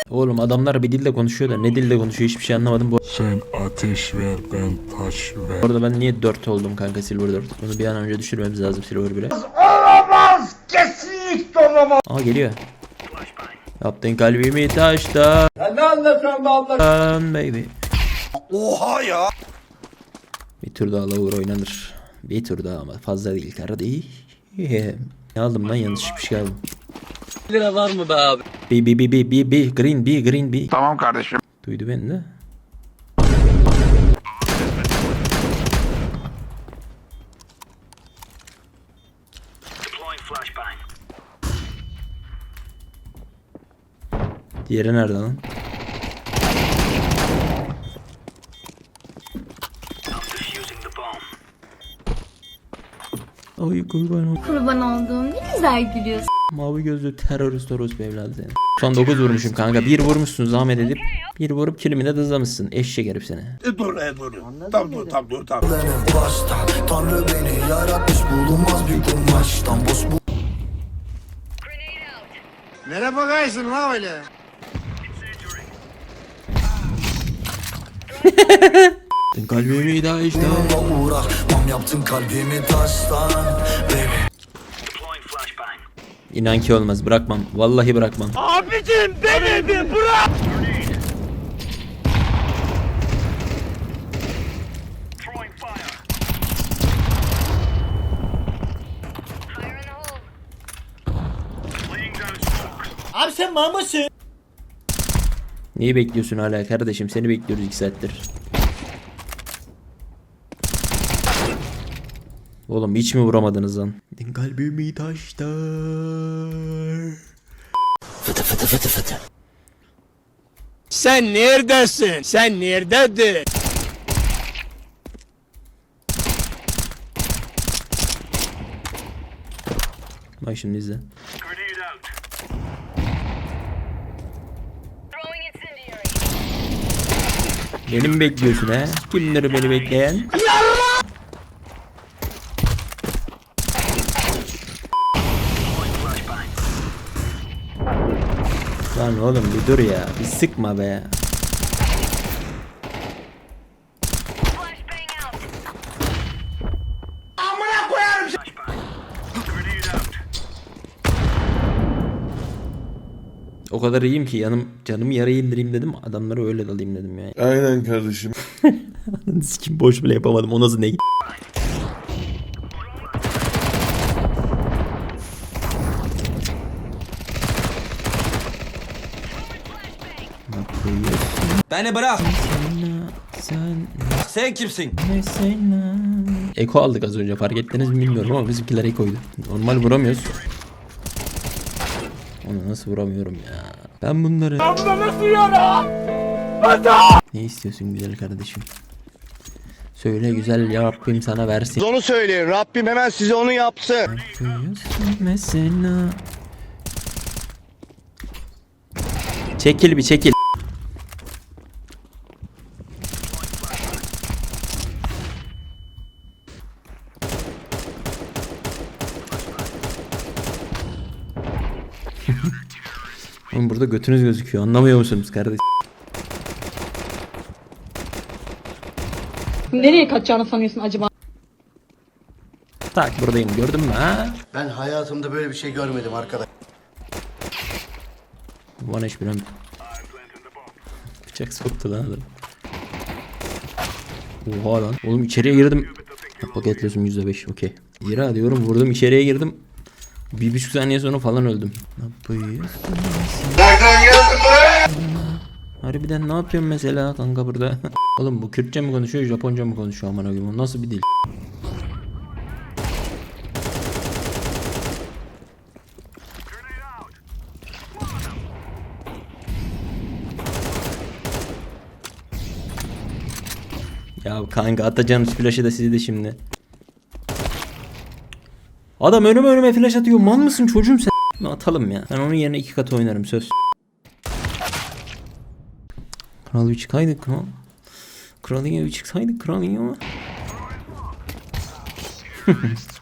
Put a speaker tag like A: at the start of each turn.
A: Oğlum adamlar bir dilde konuşuyor da ne dilde konuşuyor hiçbir şey anlamadım.
B: Sen ateş ver, ben taş ver.
A: Bu arada ben niye 4 oldum kanka Silver 4? Bunu bir an önce düşürmemiz lazım Silver 1'e.
C: Olamaz! Kesinlikle olamaz!
A: Aa geliyor. Yaptın kalbimi taştan
C: Ya ne anlatıyorsun be abla?
A: baby.
C: Oha ya!
A: Bir tur daha lower oynanır. Bir tur daha ama fazla değil kardeşim. Ne aldım lan yanlış bir şey aldım.
D: Lira var mı be abi?
A: B green B.
B: Tamam kardeşim.
A: Duydu beni de. Diğeri nerede lan? Ay kurban ol.
E: Kurban olduğum ne güzel gülüyorsun.
A: Mavi gözlü terörist orospu evladı seni. Son 9 vurmuşum kanka. 1 vurmuşsun zahmet edip. 1 vurup kilimi de dızlamışsın. Eşek herif seni.
C: Dur. Tamam dur.
F: Benim baştan Tanrı beni yaratmış bulunmaz bir kumaştan boş bu.
C: Nereye bakarsın la öyle?
A: Kalbimi daha işte.
F: Bununla uğraşmam yaptın kalbimi taştan baby.
A: İnan ki olmaz bırakmam. Vallahi bırakmam.
C: Abicim beni bir bırak! Abi sen mal mısın?
A: Neyi bekliyorsun hala kardeşim? Seni bekliyoruz 2 saattir. Oğlum hiç mi vuramadınız lan? Kalbimi taşlar.
F: Fıtı fıtı fıtı fıtı.
C: Sen neredesin? Sen nerededir?
A: Bak şimdi izle. Beni mi bekliyorsun he? Kimleri beni bekleyen? Lan oğlum bir dur ya. Bir sıkma be. O kadar iyiyim ki canımı yaraya indireyim dedim. Adamları öyle dalayım dedim yani.
B: Aynen kardeşim.
A: Sikim boş bile yapamadım. O nasıl ne?
D: Beni bırak.
A: Sen
D: Sen kimsin?
A: mesela. Eko aldık az önce fark ettiniz mi bilmiyorum ama bizimkiler ekoydu. Normal vuramıyoruz. Onu nasıl vuramıyorum ya? Ben bunları... Ne istiyorsun güzel kardeşim? Söyle güzel ya Rabbim sana versin.
C: Onu söyleyin. Rabbim hemen size onu yapsın.
A: Yapıyorsun mesela. Çekil bir çekil. Oğlum burada götünüz gözüküyor. Anlamıyor musunuz kardeşim?
G: Nereye kaçacağını sanıyorsun acaba?
A: Tak buradayım gördün mü ha?
F: Ben hayatımda böyle bir şey görmedim arkadaş.
A: Bana hiç bilmem. Bıçak soktu lan adam. Oha lan. Oğlum içeriye girdim. Paketliyorsun %5 okey. Zira diyorum vurdum içeriye girdim. 1,5 saniye sonra falan öldüm. Ne yapıyorsun?
C: Nereden geldin buraya?
A: Harbiden ne yapıyorsun mesela kanka burada? Oğlum bu Kürtçe mi konuşuyor Japonca mı konuşuyor aman abim? O nasıl bir dil? Ya kanka atacağınız flaşı da sizi de şimdi. Adam önüme flash atıyor. Mal mısın çocuğum sen? Atalım ya. Ben onun yerine 2 katı oynarım söz. Kral bir çıkaydık kral. Kralın evi çıksaydık kralın evi.